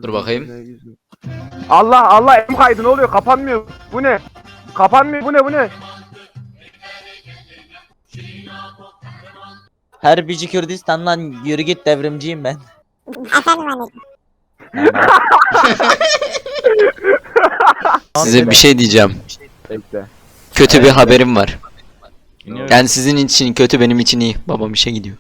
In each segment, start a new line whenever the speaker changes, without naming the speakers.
Dur bakayım.
Allah Allah, elim kaydı, ne oluyor? Kapanmıyor. Bu ne? Kapanmıyor. Bu ne?
Herbici Kürdistan'dan yürü git, devrimciyim ben.
Efendim anneciğim.
Tamam.
Size bir şey diyeceğim.
Bekle.
Kötü bir haberim var.
Dinliyorum.
Yani sizin için kötü, benim için iyi. Babam işe gidiyor.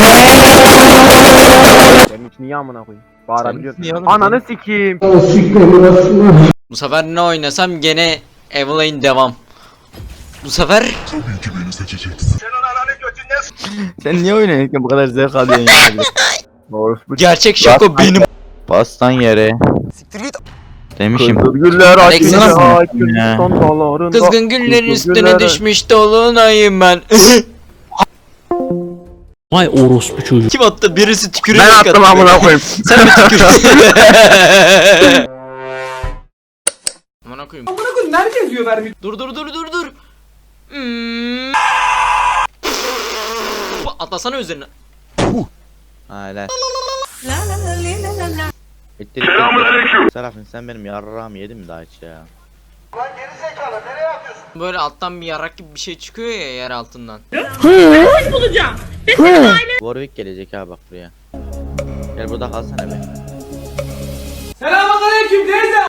Benim için niye amına koyayım? Bağırabiliyorum.
Niye oğlum?
Ananı sikeyim.
Bu sefer ne oynasam gene Evelyn devam. Bu sefer
Sen niye oynuyorsun bu kadar zevk alıyorsun ya?
Orospu.
gerçek şoko benim.
Bastan yere. Demişim.
Güller
Alexander
açınca
ya.
son dağlarında.
Kızgın güllerin üstüne
Güller-
düşmüş dolunayım ben.
Vay orospu çocuğu.
Kim attı? Birisi tükürüyor.
Ben attım amına koyayım.
Sen mi tükürdün? Amına koyayım.
Amına koyayım, nerede yazıyor vermiş?
Dur. Atlasana üzerine.
Hala. Serafin, sen benim yarrağımı yedin mi daha hiç ya?
Böyle alttan bir yarak gibi bir şey çıkıyor ya yer altından.
Warwick gelecek ha bak buraya. Gel burada kalsana be.
Selamünaleyküm teyze.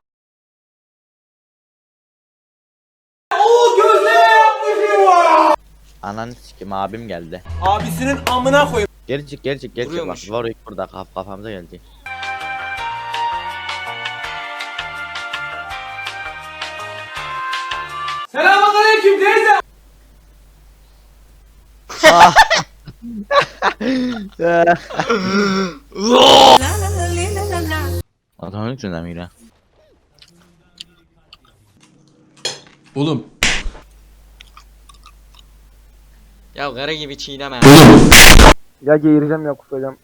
Oo, gözleme yapmışım var.
Ananı sikim, abim geldi.
Abisinin amına koyayım.
Gelecek bak,
Vuruyormuş.
Warwick burada kafamıza geldi.
Selamünaleyküm teyze.
Adamın yüzünden mi yine?
Oğlum.
Ya kara gibi çiğneme.
Ya geğireceğim ya kusacağım.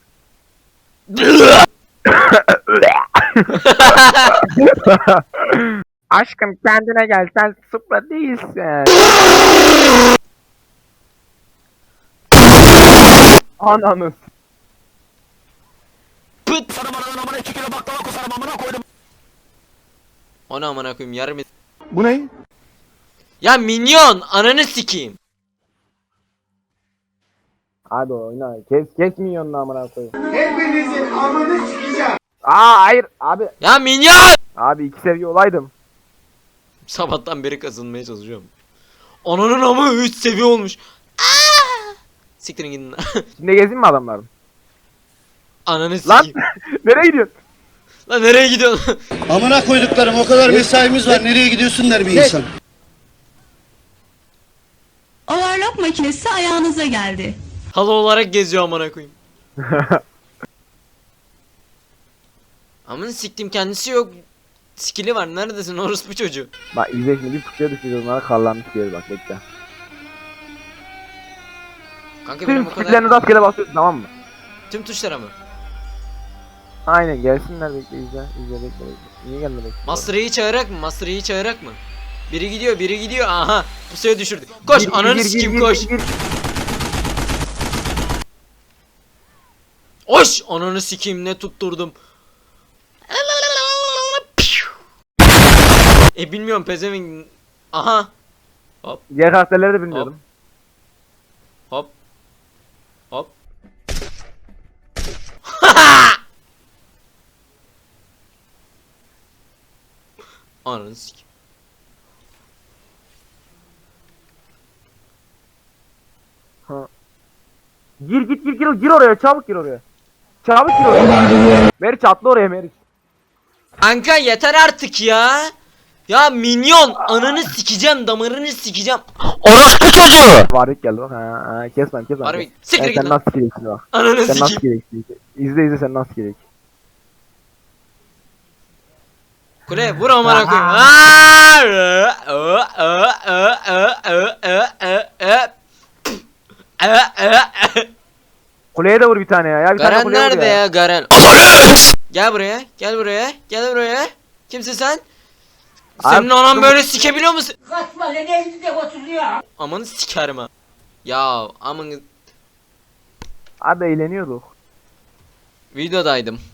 Aşkım kendine gel, sen Supra değilsin. Ananı.
Pıt. Onu amına koyayım yarım.
Bu ne?
Ya minyon ananı sikeyim.
Hadi oyna. Kes milyonunu amına koyayım. Hepinizin amını sikeceğim. Aa hayır abi.
Ya minyon.
Abi 2 seviye olaydım.
Sabahtan beri kazınmaya çalışıyorum. Ananın amı 3 seviye olmuş. Aa! Siktirin gidin.
Şimdi gezeyim mi adamların?
Ananı
Lan
sikeyim.
nereye gidiyorsun?
Lan nereye gidiyorsun?
Amına koyduklarım, o kadar mesaimiz var, nereye gidiyorsun der bir insan.
Overlock makinesi ayağınıza geldi.
Halı olarak geziyor amına koyayım. Amına siktim kendisi yok. Skill'i var. Neredesin orospu çocuğu?
Bak izle şimdi bir pusuya düşüyor onlara karlanmış bir yer bak bekle.
Kanka benim
Tüm
o kadar
skill'lerini rastgele basıyorsun tamam mı?
tüm tuşlara mı?
Aynen gelsinler bekle bekle. Niye gelmedi?
Master Yi'yi çağırarak mı? Master Yi'yi çağırarak mı? Biri gidiyor. Aha. Pusuya düşürdü. Koş ananı sikeyim koş. Koş ananı sikeyim ne tutturdum. Bilmiyorum pezevenk. Aha.
Diğer karakterleri de bilmiyordum.
Hop. Ananı sikeyim.
Gir oraya çabuk gir oraya. Çabuk gir oraya. Meriç atla oraya Meriç.
Kanka yeter artık ya. Ya minyon ananı sikeceğim damarını sikeceğim. Orospu çocuğu.
Varlık geldi bak ha kesmem.
Harbi siktir git
Sen
lan.
nasıl gereksin bak.
Ananı
Sen nasıl
sikeyim.
gereksin. İzle sen nasıl gerek.
Kule vur amına koyayım.
Kuleye de vur bir tane ya. Bir tane
Garen
kuleye vur
nerede
ya.
ya Garen? Gel buraya. Kimsin sen? Senin
Abi,
anan
dur.
böyle sikebiliyor musun?
Kaçma lan, elinde oturuyor.
Amanı sikerim ha. Ya aman
Abi eğleniyorduk.
videodaydım.